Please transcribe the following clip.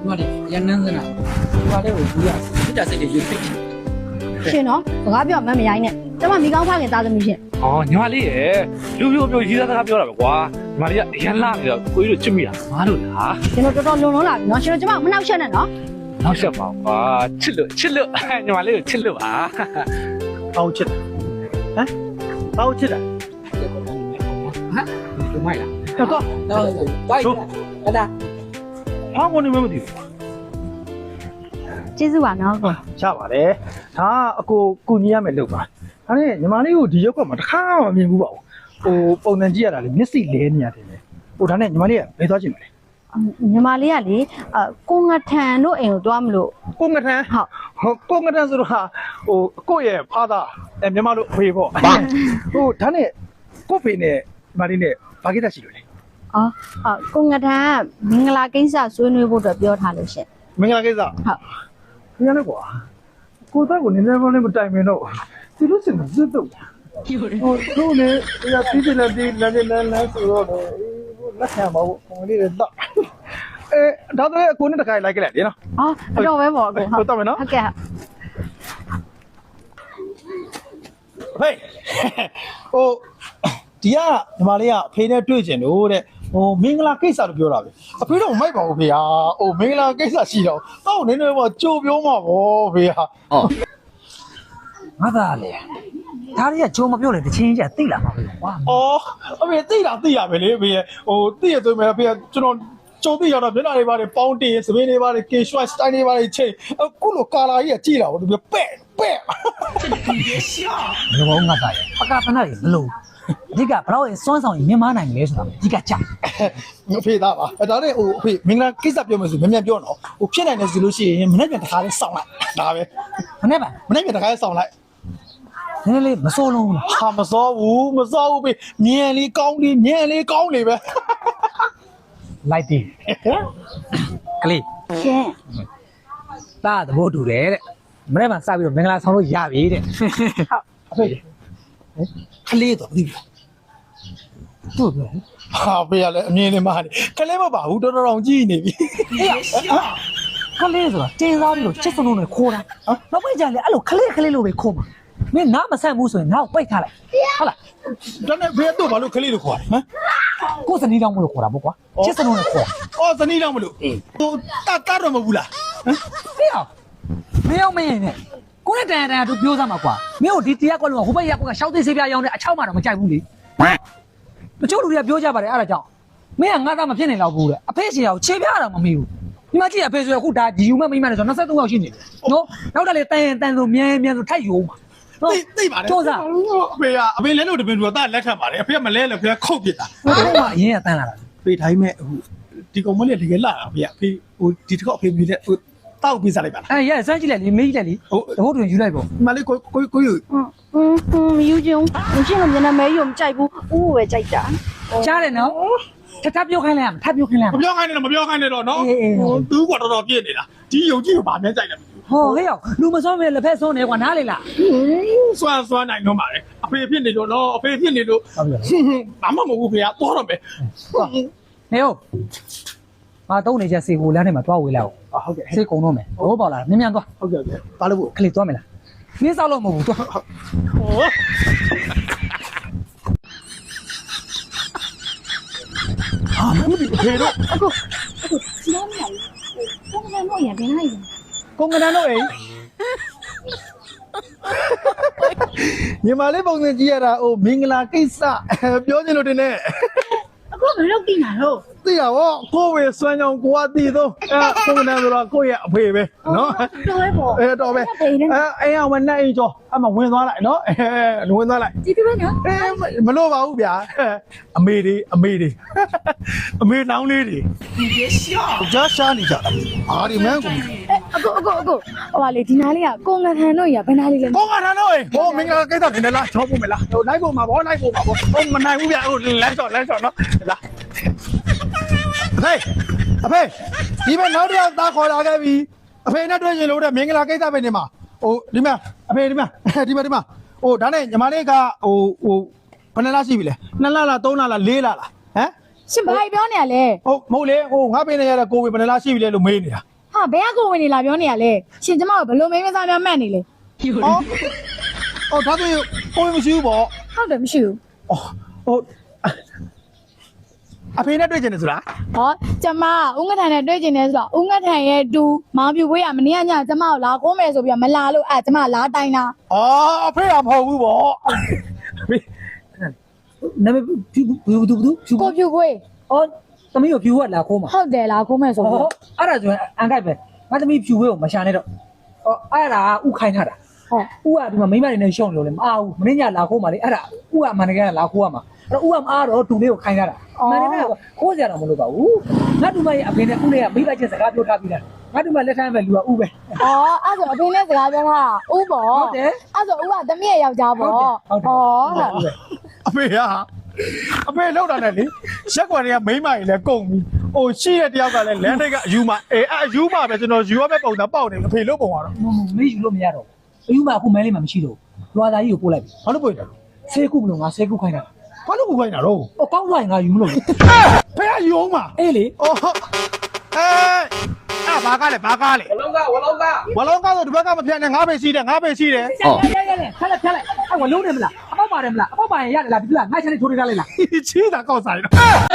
妈的，也能是呢。我来我不要，你这是就有费。 ရှင်နော်စကားပြောမှမရိုင်းနဲ့ကျမမိကောင်းဖခင်သားသမီးရှင်哦，ညီမလေးရေပြောရေးသားစကားပြောတာပဲကွာညီမလေးကအရန်လာနေတော့ကိုကြီးတို့ချစ်မိတာငါတို့လားရှင်တို့တော်တော်လုံလုံးလာပြီနော်ရှင်တို့ကျမမနှောက်ရှက်နဲ့နော်နောက်ဆက်ပါကွာချစ်လို့ညီမလေးကိုချစ်လို့ပါ包吃的，哎，包吃的， 哈，就卖了。 大哥， 然后，来的。 韩国你没问题。 ကျေးဇူးပါနော်ရှားပါလေဒါအကိုညီရမယ်လုပ်ပါဒါနဲ့ညီမလေးကိုဒီရုပ်ကမှတစ်ခါမှမမြင်ဘူးပါဘူးဟိုပုံစံကြည့်ရတာလေမျက်စိလဲနေရတယ်လေဟိုဒါနဲ့ညီမလေးကဘယ်သွားချင်မလဲညီမလေးကလေကိုငထန်တို့အိမ်ကိုသွားမလို့ကိုငထန်ဟုတ်ကိုငထန်ဆိုတော့ဟိုကိုရဲ့ဖားသားမြန်မာလိုဖေပေါ့ဟိုဒါနဲ့ကိုဖေနဲ့ညီမလေးနဲ့ဘာကိစ္စရှိလို့လဲအော်ကိုငထန်မင်္ဂလာကိစ္စဆွေးနွေးဖို့အတွက်ပြောထားလို့ရှင်မင်္ဂလာကိစ္စဟုတ်ဒီနေ့ကွာကိုသားကိုနည်းနည်းပေါင်းလေးမတိုင်မင်တော့ဒီလိုစင်မစစ်တော့ဟိုတို့လေရပြီးတယ်လေဒီလမ်းဆိုတော့လက်ခံပါဘူးပုံလေးတော့ဒါတော့ကိုနဲ့တခါလိုက်ကြလိုက်လေနော်အော်အတော်ပဲပေါ့ကိုဟုတ်တော့မယ်နော်ဟုတ်ကဲ့ဟေးဟိုဒီကညီမလေးကအဖေနဲ့တွေ့ကျင်လို့တဲ့ဟိုမင်္ဂလာကိစ္စလို့ပြောတာပဲအဖေတော့မိုက်ပါဘူးဖေဟာဟိုမင်္ဂလာကိစ္စရှိတော့တော့နည်းနည်းပေါ့ကြိုပြောမှာဗောဖေဟာငါသားလေဒါတွေကကြုံမပြောလေတချင်းကြီးကသိလာမှာပဲကွာအော်အဖေသိရပဲလေအဖေဟိုသိရသွင်းမယ်အဖေကကျွန်တော်ကြုံသိရတော့မျက်နှာတွေပါတယ်ပေါင်းတင်စပင်းတွေပါတယ်ကေရွှိုက်စတိုင်းတွေပါတယ်ချိန်အခုလိုကာလာကြီးကကြည့်တာဗောဒီပဲ့ဘယ်လိုငါသားရဲ့ပကပနာတွေဘလို့အဓိကဘလောက်ရင်စွမ်းဆောင်ရင်မြင်မနိုင်လဲဆိုတာအဓိကကြာအဖေသားပါဒါနဲ့ဟိုအဖေမင်္ဂလာကိစ္စပြောမယ်ဆိုမြန်ပြောတော့ဟိုဖြစ်နိုင်တယ်ဆိုလို့ရှိရင်မနေ့ပြန်တစ်ခါလေးစောင့်လိုက်ဒါပဲခနဲ့ပါမနေ့ပြန်တစ်ခါလေးစောင့်လိုက်နည်းနည်းလေးမစိုးလုံးဘူးလားဟာမစောဘူးဖေမြန်လေးကောင်းလေးပဲလိုက်တီးကလေးရှင်တာသဘောတူတယ်တဲ့မနေ့မှစပြီးတော့မင်္ဂလာဆောင်လို့ရပြီတဲ့အဖေကလေးတော့ပြီးပြီဟုတ်ပြီဟာဖေကလည်းအမြင်နဲ့မှနေကလေးမပါဘူးတော်တော်ကြီးနေပြီကလေးဆိုတာတင်းစားပြီးတော့ချစ်စလုံးနဲ့ခိုးတာနောက်ပိုင်းကျရင်အဲ့လိုကလေးလိုပဲခိုးမှာမင်းနားမဆန့်ဘူးဆိုရင်ငါ့ကိုပိတ်ထားလိုက်ဟုတ်လားဒါနဲ့ဖေတော့ဘာလို့ကလေးလို့ခေါ်လဲဟမ်ကိုယ်စနီးတောင်းမလို့ခေါ်တာပေါ့ကွာချစ်စလုံးနဲ့ခေါ်တာအော်ဇနီးတော့မလို့ဟိုတတ်တော့မဘူးလားဟမ်မင်းအောင်မင်းနဲ့ကိုနဲ့တန်တူပြောစမ်းမှာကွာမင်းတို့ဒီတရားကွက်လုံးကဟိုဘက်ရက်ကွက်ကရှောက်သိစေးပြားရောင်းတဲ့အချောက်မှတော့မကြိုက်ဘူးလေတချို့လူတွေကပြောကြပါတယ်အဲ့ဒါကြောင့်မင်းကငါသားမဖြစ်နိုင်တော့ဘူးတဲ့အဖေရှင်ကခြေပြားတာမမေးဘူးဒီမှာကြည့်ရဖေဆိုရအခုဒါဂျီယူမဲ့မိမနဲ့ဆို23ယောက်ရှိနေတယ်နော်နောက်တက်လေတန်ဆိုမြန်ဆိုထိုက်ရုံမှာသိပါတယ်ကြောစားအဖေလဲလို့တပင်သူကလက်ခံပါတယ်အဖေကမလဲလို့ဖေကခုတ်ပြစ်တာဟိုကအရင်ကတန်းလာတာဖေတိုင်းမဲ့ဟိုဒီကောင်မလေးတကယ်လာတာဖေကဖေဟိုဒီတစ်ခေါက်ဖေပြီးတဲ့ဟိုတောက်ပြစားလိုက်ပါလားအဲ့ရစမ်းကြည့်လိုက်လေမေးကြည့်လိုက်လေတဟုတ်တွင်ယူလိုက်ပေါ့မလေးကိုယူမယူချင်ဘူးရှင်ကမျက်နှာမဲရုံမကြိုက်ဘူးဦးပဲကြိုက်တာကြားတယ်နော်ထပ်ပြောခိုင်းလိုက်ရမထပ်ပြောခိုင်းလိုက်ရမပြောခိုင်းနဲ့တော့နော်သူကတော်တော်ပြည့်နေတာဒီယုံကြည်ကိုဗာမြဲကြိုက်တယ်ဟောဟဲ့ရောက်လူမစောမဲ့လက်ဖက်ဆုံးနေကွာနားလေလားစွမ်းနိုင်တော့ပါတယ်အဖေဖြစ်နေလို့နော်အဖေဖြစ်နေလို့ဘာမှမဟုတ်ဘူးဖေကသွားတော့မယ်ဟဲ့ဟုတ်ငါတုံးနေချက်စီကိုလမ်းထဲမှာသွားဝေးလိုက်အောင်ဟုတ်ကဲ့စိတ်ကုန်တော့မယ်ဘောပေါက်လာမြန်သွားဟုတ်ကဲ့ဘာလို့ခလေးသွားမယ်လားနင်းစောက်လို့မဟုတ်ဘူးသွားဟို ဟာမင်းဒီဖေတော့အခုစီးရမယ်ကိုငထန်တို့ရဘယ်နိုင်လဲကိုငန်းတော့အိမ်ညီမလေးပုံစံကြည့်ရတာဟိုမင်္ဂလာကိစ္စပြောချင်လို့တင်နေအခုဘယ်လောက်ပြင်လာတော့သိရပါကိုဝေစွမ်းကြောင်ကိုကတည်တော့ကိုငန်းဆိုတော့ကိုရဲ့အဖေပဲနော်တော်ပဲပေါ့တော်ပဲအိမ်အောင်မနဲ့အိမ်ကျော်အမဝင်သွားလိုက်နော်ဝင်သွားလိုက်ကြည့်ပြမယ်နော်မလို့ပါဘူးဗျာအမေတွေအမေလောင်းလေးတွေကြားရှားနေကြတာအာဒီမန်းကိုအခုဟိုပါလေဒီနားလေးကကိုငထန်တို့ရဘယ်နားလေးလဲဘောကထားတော့ဟိုမင်္ဂလာကိစ္စနေလားချောဖို့မလားဟိုလိုက်ဖို့မှာဘောလိုက်ဖို့မှာဘောဟိုမနိုင်ဘူးဗျာဟိုလမ်းချော်နော်လာအဖေဒီမဲ့နောက်တစ်ယောက်သားခေါ်လာခဲ့ပြီအဖေနဲ့တွေ့ရင်လို့တဲ့မင်္ဂလာကိစ္စပဲနေမှာဟိုဒီမှာအဖေဒီမှာဟိုဒါနဲ့ညီမလေးကဟိုဘယ်နှလားရှိပြီလဲ2လလား3လလား4လလားဟမ်ရှင်ဘာပြောနေရလဲဟုတ်မဟုတ်လေဟိုငါပေးနေရတဲ့ကိုဝေဘယ်နှလားရှိပြီလဲလို့မေးနေတာဘယ်ကကိုဝင်နေလာပြောနေရလဲရှင်ကျမကိုဘလို့မင်းမစားများမှတ်နေလဲအော်ဒါဆိုကိုမရှိဘူးပေါ့ဟုတ်တယ်မရှိဘူးအော်ဟိုအဖေနဲ့တွေ့ကျင်တယ်ဆိုတာဟောကျမဦးငထန်နဲ့တွေ့ကျင်နေဆိုတော့ဦးငထန်ရဲ့တူမောင်ပြူဝေးရမနေ့ကညကျမကိုလာခိုးမယ်ဆိုပြီးတော့မလာလို့ကျမလာတိုင်းတာအော်အဖေကမဟုတ်ဘူးပေါ့အဖေနာမည်ဖြူဖြူကိုပြူဝေးအော်သမီးကိုဖြူကလာခိုးမှာဟုတ်တယ်လာခိုးမယ်ဆိုပြီးဟောအဲ့ဒါဆိုရင်အန်ကိုက်ပဲငါသမီးဖြူဝဲကိုမရှာနဲ့တော့ဟောအဲ့ဒါဥခိုင်းထားတာဟုတ်ဥကဒီမှာမိမတွေနဲ့ရှုံလို့လေမအားဘူးမင်းညလာခိုးမှာလေအဲ့ဒါဥကမန္တကယ်လာခိုးရမှာအဲ့တော့ဥကမအားတော့တူလေးကိုခိုင်းထားတာမန္တကယ်ကခိုးစရာတော့မလိုပါဘူးငါတူမရဲ့အဖေနဲ့ဥလေးကမိဘချင်းစကားပြောထားပြီးတာငါတူမလက်ထမ်းပဲလူကဥပဲအော်အဲ့ဆိုအဖေနဲ့စကားပြောတာဦးပေါ့ဟုတ်တယ်အဲ့ဆိုဦးကသမီးရဲ့ယောက်ျားပေါ့ဟုတ်တယ်အဖေကအဖေလောက်တာနဲ့လေရက်ကွက်တွေကမိမကြီးလည်းကုန်ပြီဟိုရှိတဲ့တယောက်ကလည်းလမ်းထိပ်ကအယူမအယူမပဲကျွန်တော်ယူရမယ့်ပုံစံပေါက်နေအဖေလို့ပုံသွားတော့မေးယူလို့မရတော့ဘူးဥမအခုမဲလေးမှမရှိတော့ဘူးလွာသားကြီးကိုပို့လိုက်ပြီဘာလို့ပို့ရတာဆေးကုမလို့ငါဆေးကုခိုင်းတာဘာလို့ပို့ခိုင်းတာတော့ဟောကောင်းသွားရင်ငါယူမလို့ဖေကယူအောင်ပါအေးလေအော်ဘာကားလဲဝလုံးကားဆိုဒီဘက်ကမဖြတ်နဲ့ငါးပေရှိတယ်ရခက်လိုက်ခက်လိုက်အဲ့ဝလုံးနေမလားအပေါက်ပါတယ်မလားအပေါက်ပါရင်ရတယ်လားဒီကငါချက်လေးထိုးထားလိုက်လားချီးတာကောက်ဆိုင်တော့